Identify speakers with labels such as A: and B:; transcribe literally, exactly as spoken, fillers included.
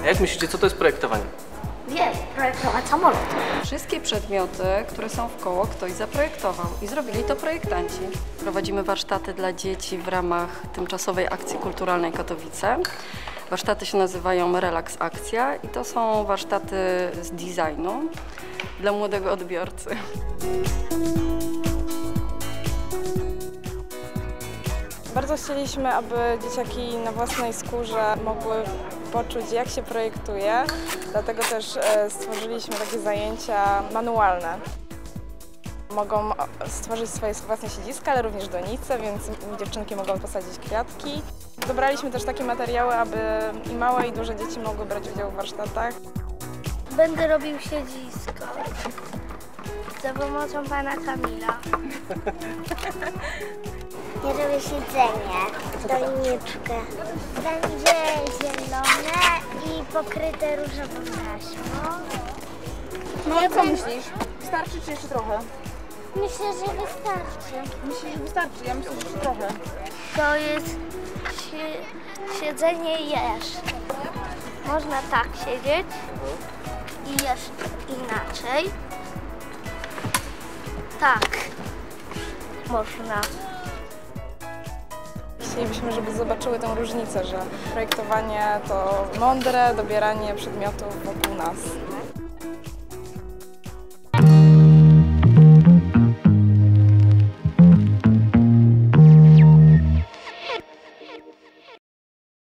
A: Jak myślicie, co to jest projektowanie?
B: Wiem, projektować samolot.
C: Wszystkie przedmioty, które są wkoło, ktoś zaprojektował i zrobili to projektanci. Prowadzimy warsztaty dla dzieci w ramach tymczasowej akcji kulturalnej Katowice. Warsztaty się nazywają Relax Akcja i to są warsztaty z designu dla młodego odbiorcy.
D: Bardzo chcieliśmy, aby dzieciaki na własnej skórze mogły poczuć, jak się projektuje, dlatego też stworzyliśmy takie zajęcia manualne. Mogą stworzyć swoje własne siedziska, ale również donice, więc dziewczynki mogą posadzić kwiatki. Dobraliśmy też takie materiały, aby i małe, i duże dzieci mogły brać udział w warsztatach.
B: Będę robił siedzisko za pomocą pana Kamila.
E: Ja robię siedzenie, doniczkę. Będzie zielone i pokryte różową taśmą.
F: No i co myślisz? Wystarczy czy jeszcze trochę?
E: Myślę, że wystarczy.
F: Myślisz, że wystarczy? Ja myślę, że jeszcze trochę.
B: To jest si siedzenie jesz. Można tak siedzieć i jeszcze inaczej. Tak. Można.
D: Chcielibyśmy, żeby zobaczyły tę różnicę, że projektowanie to mądre dobieranie przedmiotów wokół nas.